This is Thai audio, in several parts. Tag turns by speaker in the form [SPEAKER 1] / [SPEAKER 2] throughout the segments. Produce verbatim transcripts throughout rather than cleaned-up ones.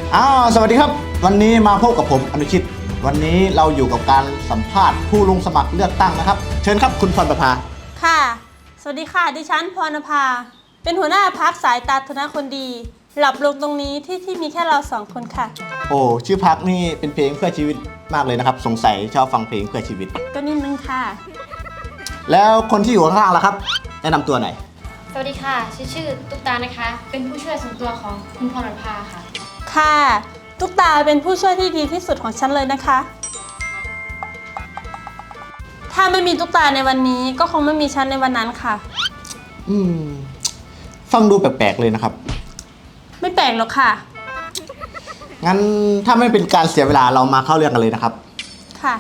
[SPEAKER 1] อ้าวสวัสดีครับวันนี้มาพบกับผมอนุชิตวันนี้เราอยู่กับการสัมภาษณ์ผู้ลงสมัครเลือกตั้งนะครับเชิญครับคุณพรประภา
[SPEAKER 2] ค่ะสวัสดีค่ะดิฉันพรณภาเป็นหัวหน้าพรรคสายตาธนคนดีหลับลงตรงนี้ที่ที่มีแค่เราสองคนค่ะ
[SPEAKER 1] โอ้ชื่อพรรคนี่เป็นเพลงเพื่อชีวิตมากเลยนะครับสงสัยชอบฟังเพลงเพื่อชีวิต
[SPEAKER 2] ก็นิดนึงค่ะ
[SPEAKER 1] แล้วคนที่อยู่ข้างล่างล่ะครับแนะนำตัวหน่อย
[SPEAKER 3] สวัสดีค่ะชื่อชื่อตุ๊กตานะคะเป็นผู้ช่วยส่วนตัวของคุณพรณภาค่ะ
[SPEAKER 2] ค่ะตุ๊กตาเป็นผู้ช่วยที่ดีที่สุดของฉันเลยนะคะถ้าไม่มีตุ๊กตาในวันนี้ก็คงไม่มีฉันในวันนั้นค่ะ
[SPEAKER 1] อืมฟังดูแปลกๆเลยนะครับ
[SPEAKER 2] ไม่แปลกหรอกค่ะ
[SPEAKER 1] งั้นถ้าไม่เป็นการเสียเวลาเรามาเข้าเรื่องกันเลยนะครับ
[SPEAKER 2] ค่ะ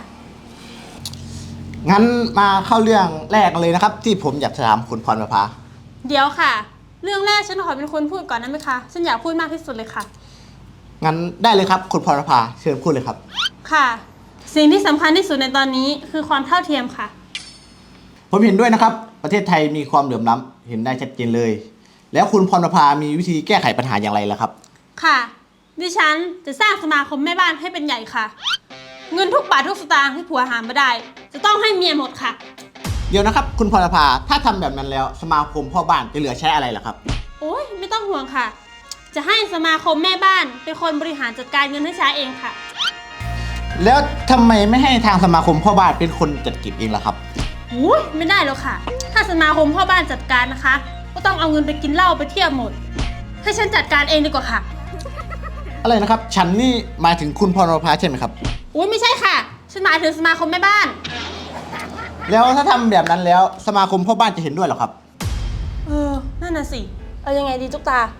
[SPEAKER 1] งั้นมาเข้าเรื่องแรกกันเลยนะครับที่ผมอยากถามคุณพรประภา
[SPEAKER 2] เดี๋ยวค่ะเรื่องแรกฉันขอเป็นคนพูดก่อนได้ไหมคะฉันอยากพูดมากที่สุดเลยค่ะ
[SPEAKER 1] งั้นได้เลยครับคุณพรประภาเชิญพูดเลยครับ
[SPEAKER 2] ค่ะสิ่งที่สำคัญที่สุดในตอนนี้คือความเท่าเทียมค่ะ
[SPEAKER 1] ผมเห็นด้วยนะครับประเทศไทยมีความเหลื่อมล้ำเห็นได้ชัดเจนเลยแล้วคุณพรประภามีวิธีแก้ไขปัญหาอย่างไรล่ะครับ
[SPEAKER 2] ค่ะดิฉันจะสร้างสมาคมแม่บ้านให้เป็นใหญ่ค่ะเงินทุกบาททุกสตางค์ที่ผัวหามาได้จะต้องให้เมียหมดค่ะ
[SPEAKER 1] เดี๋ยวนะครับคุณพรประภาถ้าทำแบบนั้นแล้วสมาคมพ่อบ้านจะเหลือใช้อะไรล่ะครับ
[SPEAKER 2] โอ้ยไม่ต้องห่วงค่ะจะให้สมาคมแม่บ้านเป็นคนบริหารจัดการเงินให้ใช้เองค่ะ
[SPEAKER 1] แล้วทำไมไม่ให้ทางสมาคมพ่อบ้านเป็นคนจัดเก็บเองล่ะครับ
[SPEAKER 2] โอ้ยไม่ได้แล้วค่ะถ้าสมาคมพ่อบ้านจัดการนะคะก็ต้องเอาเงินไปกินเหล้าไปเที่ยวหมดให้ฉันจัดการเองดีกว่าค่ะ
[SPEAKER 1] อะไรนะครับฉันนี่หมายถึงคุณพรประภาใช่ไหมครับ
[SPEAKER 2] โอ้ยไม่ใช่ค่ะฉันหมายถึงสมาคมแม่บ้าน
[SPEAKER 1] แล้วถ้าทำแบบนั้นแล้วสมาคมพ่อบ้านจะเห็นด้วยหรอครับ
[SPEAKER 2] เออนั่นน่ะสิเอายังไงดีตุ๊กตา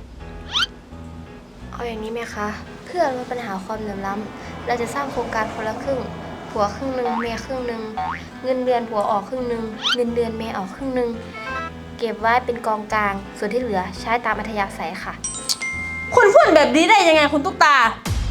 [SPEAKER 3] เอาอย่างนี้ไหมคะเพื่อลดปัญหาความเหลื่อมล้ำเราจะสร้างโครงการคนละครึ่งผัวครึ่งหนึ่งเมียครึ่งหนึ่งเงินเดือนผัวออกครึ่งหนึ่งเงินเดือนเมียออกครึ่งหนึ่งเก็บไว้เป็นกองกลางส่วนที่เหลือใช้ตามอัธยาศัยค่ะ
[SPEAKER 2] คุณพูดแบบนี้ได้ยังไงคุณตุ๊กตา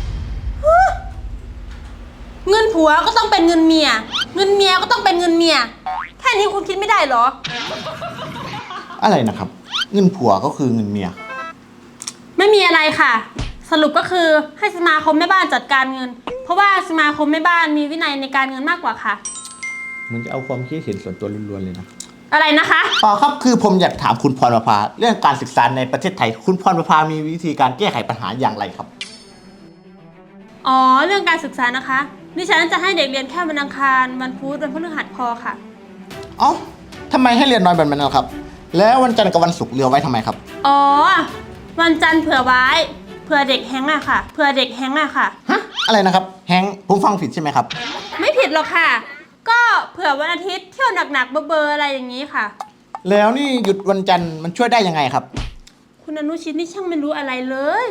[SPEAKER 2] เงินผัวก็ต้องเป็นเงินเมียเงินเมียก็ต้องเป็นเงินเมียแค่นี้คุณคิดไม่ได้เหรอ
[SPEAKER 1] อะไรนะครับเงินผัวก็คือเงินเมีย
[SPEAKER 2] ไม่มีอะไรค่ะสรุปก็คือให้สมาคมแม่บ้านจัดการเงินเพราะว่าสมาคมแม่บ้านมีวินัยในการเงินมากกว่าค่ะ
[SPEAKER 1] มึงจะเอาความคิดเห็นส่วนตัวล้วนๆเลยนะ
[SPEAKER 2] อะไรนะคะ
[SPEAKER 1] อ๋อครับคือผมอยากถามคุณพรประภาเรื่องการศึกษาในประเทศไทยคุณพรประภามีวิธีการแก้ไขปัญหาอย่างไรครับ
[SPEAKER 2] อ๋อเรื่องการศึกษานะคะดิฉันจะให้เด็กเรียนแค่วันอังคารวันพุธวันพฤหัสพอค่ะ
[SPEAKER 1] อ๋อทำไมให้เรียนน้อยแบบนั้นครับแล้ววันจันทร์กับวันศุกร์เลือกไว้ทำไมครับ
[SPEAKER 2] อ๋อวันจันทร์เผื่อไว้เผื่อเด็กแฮงอะค่ะเผื่อเด็กแฮงอะค่ะ
[SPEAKER 1] ฮะอะไรนะครับแฮงผมฟังผิดใช่ไหมครับ
[SPEAKER 2] ไม่ผิดหรอกค่ะก็เผื่อวันอาทิตย์เที่ยวหนักๆเบอร์ๆอะไรอย่างนี้ค่ะ
[SPEAKER 1] แล้วนี่หยุดวันจันทร์มันช่วยได้ยังไงครับ
[SPEAKER 2] คุณอนุชิตนี่ช่างไม่รู้อะไรเลย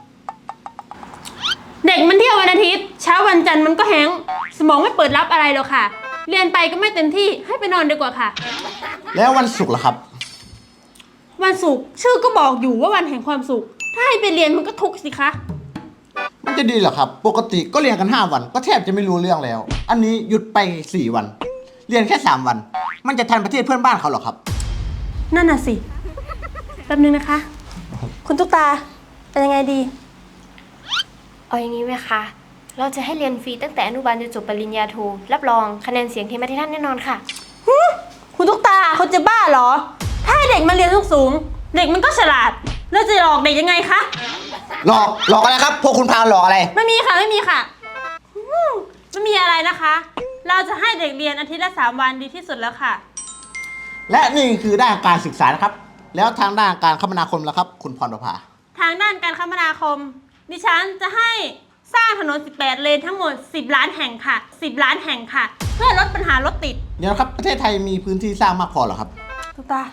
[SPEAKER 2] เด็กมันเที่ยววันอาทิตย์เช้าวันจันทร์มันก็แฮงสมองไม่เปิดรับอะไรหรอกค่ะเรียนไปก็ไม่เต็มที่ให้ไปนอนดีกว่าค่ะ
[SPEAKER 1] แล้ววันศุกร์ล่ะครับ
[SPEAKER 2] วันศุกร์ชื่อก็บอกอยู่ว่าวันแห่งความสุขถ้าให้ไปเรียนมันก็ทุกข์สิคะ
[SPEAKER 1] มันจะดีเหรอครับปกติก็เรียนกันห้าวันก็แทบจะไม่รู้เรื่องแล้วอันนี้หยุดไปสี่วันเรียนแค่สามวันมันจะทันประเทศเพื่อนบ้านเขาหรอครับ
[SPEAKER 2] นั่นน่ะสิแป๊บนึงนะคะคุณตุ๊กตาเป็นยังไงดี
[SPEAKER 3] เอาอย่างนี้ไหมคะเราจะให้เรียนฟรีตั้งแต่อนุบาลจนจบปริญญาโทรับรองคะแนนเสียงเทมาที่ท่านแน่นอนค่ะ
[SPEAKER 2] คุณตุ๊กตาเขาจะบ้าเหรอถ้าให้เด็กมาเรียนสูงๆเด็กมันก็ฉลาดแล้วจะหลอกเด็กยังไงคะ
[SPEAKER 1] หลอกหลอกอะไรครับพวกคุณพาหลอกอะไร
[SPEAKER 2] ไม่มีค่ะไม่มีค่ะไม่มีอะไรนะคะเราจะให้เด็กเรียนอาทิตย์ละสามวันดีที่สุดแล้วค่ะ
[SPEAKER 1] และนี่คือด้านการศึกษานะครับแล้วทางด้านการคมนาคมล่ะครับคุณพรประภา
[SPEAKER 2] ทางด้านการคมนาคมดิฉันจะให้สร้างถนนสิบแปดเลนทั้งหมดสิบล้านแห่งค่ะสิบล้านแห่งค่ะเพื่อลดปัญหารถติด
[SPEAKER 1] เดี๋ยวครับประเทศไทยมีพื้นที่สร้างมากพอหรอครับ
[SPEAKER 2] ตุ๊กตา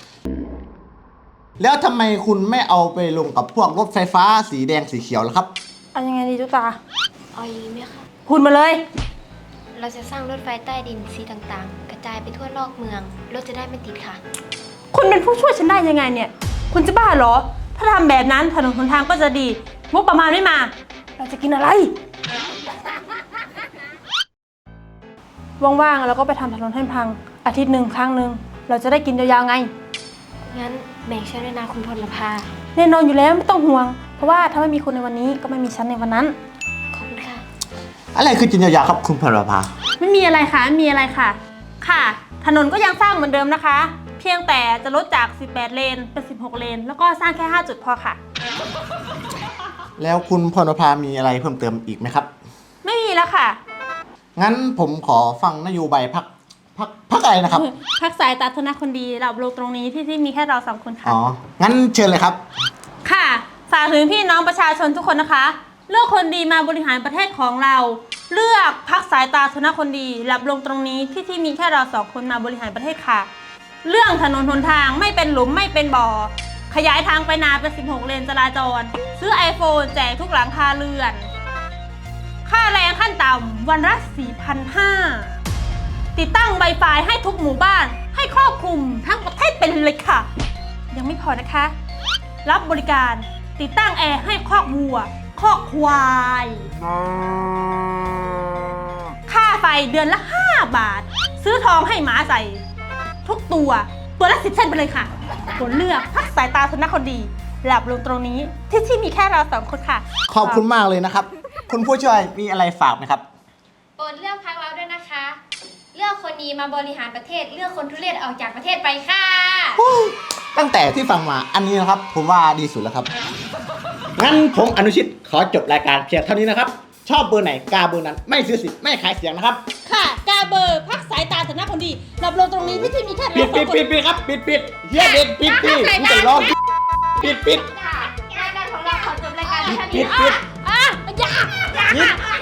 [SPEAKER 1] แล้วทำไมคุณไม่เอาไปลงกับพวกรถไฟฟ้าสีแดงสีเขียวล่ะครับ
[SPEAKER 2] เอายังไงดีตุ๊กตา
[SPEAKER 3] เอาอย่างนี้ไหมคะ
[SPEAKER 2] พูดมาเลย
[SPEAKER 3] เราจะสร้างรถไฟใต้ดินสีต่างๆกระจายไปทั่วนอกเมืองรถจะได้ไม่ติดค่ะ
[SPEAKER 2] คุณเป็นผู้ช่วยฉันได้ยังไงเนี่ยคุณจะบ้าเหรอถ้าทำแบบนั้นถนนหนทางก็จะดีงบประมาณไม่มาเราจะกินอะไรว่างๆเราก็ไปทำถนนให้พังอาทิตย์หนึ่งครั้งหนึ่งเราจะได้กินยาวๆไง
[SPEAKER 3] งั้นแบ่งฉันด้วยนะคุณพลภา
[SPEAKER 2] แน่นอนอยู่แล้วไม่ต้องห่วงผราะว่าถ้าไม่มีคุณในวันนี้ก็ไม่มีฉันในวันนั้น
[SPEAKER 3] ขอบคุณค่ะ
[SPEAKER 1] อะไรคือจินยาวๆครับคุณพรพา
[SPEAKER 2] ไม่มีอะไรค่ะไม่มีอะไรค่ะ ค่ะ ถนนก็ยังสร้างเหมือนเดิมนะคะ เพียงแต่จะลดจาก สิบแปด เลนเป็น สิบหก เลน แล้วก็สร้างแค่ ห้า จุดพอค่ะ
[SPEAKER 1] แล้วคุณพรพามีอะไรเพิ่มเติมอีกไหมครับ
[SPEAKER 2] ไม่มีแล้วค่ะ
[SPEAKER 1] งั้นผมขอฟังนโยบายพักพักพักอะไรนะครับ
[SPEAKER 2] พักสายตาธนาคนดีเราลงตรงนี้ที่ที่มีแค่เราสองคนค่ะ
[SPEAKER 1] อ๋อ งั้นเชิญเลยครับ
[SPEAKER 2] ค่ะฝากถึงพี่น้องประชาชนทุกคนนะคะ เลือกคนดีมาบริหารประเทศของเรา เลือกพักสายตาธนาคนดีหลับลงตรงนี้ที่ที่มีแค่เราสองคนมาบริหารประเทศค่ะ เรื่องถนนหนทางไม่เป็นหลุมไม่เป็นบ่อ ขยายทางไปนาเป็น สิบหก เลนจราจร ซื้อ iPhone แจกทุกหลังคาเรือน ค่าแรงขั้นต่ำวันละ สี่พันห้าร้อย ติดตั้ง Wi-Fi ให้ทุกหมู่บ้าน ให้ครอบคลุมทั้งประเทศเป็นเลยค่ะ ยังไม่พอนะคะ รับบริการติดตั้งแอร์ให้คอกวัว คอกควาย ค่าไฟเดือนละ ห้า บาท ซื้อทองให้หมาใส่ ทุกตัว ตัวละสิบเส้นไปเลยค่ะผลเลือกพักสายตาธนคนดี หลับลงตรงนี้ที่ที่มีแค่เราสองคนค่ะ
[SPEAKER 1] ขอบคุณมากเลยนะครับ คุณผู้ช่วยมีอะไรฝากไหมครับ
[SPEAKER 3] โปรดเลือกพักเราด้วยนะคะ เลือกคนดีมาบริหารประเทศ เลือกคนทุเรศออกจากประเทศไปค่ะ
[SPEAKER 1] ตั้งแต่ที่ฟังมาอันนี้นะครับ ผมว่าดีสุดแล้วครับ งั้นผมอนุชิตขอจบรายการเพียงเท่านี้นะครับ ชอบเบอร์ไหนกาเบอร์นั้น ไม่ซื้อสิทธิ์ไม่ขายเสียงนะครับ
[SPEAKER 2] ค่ะกาเบอร์พักสายตาธนคนดี หลับลงตรงนี้ที่ที่มีแค่เรา
[SPEAKER 1] ปิด
[SPEAKER 2] สอ
[SPEAKER 1] ปิ
[SPEAKER 2] ง
[SPEAKER 1] ด
[SPEAKER 2] คน
[SPEAKER 1] ปิดปิดครับปิดปิดเฮียเด็ดปิดปิดมึงจะร้องปิดปิด
[SPEAKER 3] รายการของเราขอจบรายการเพียงเท่า
[SPEAKER 1] ปิ
[SPEAKER 3] นี้
[SPEAKER 1] ดปิด
[SPEAKER 2] อ่ะอย่าอย่า
[SPEAKER 1] ปิด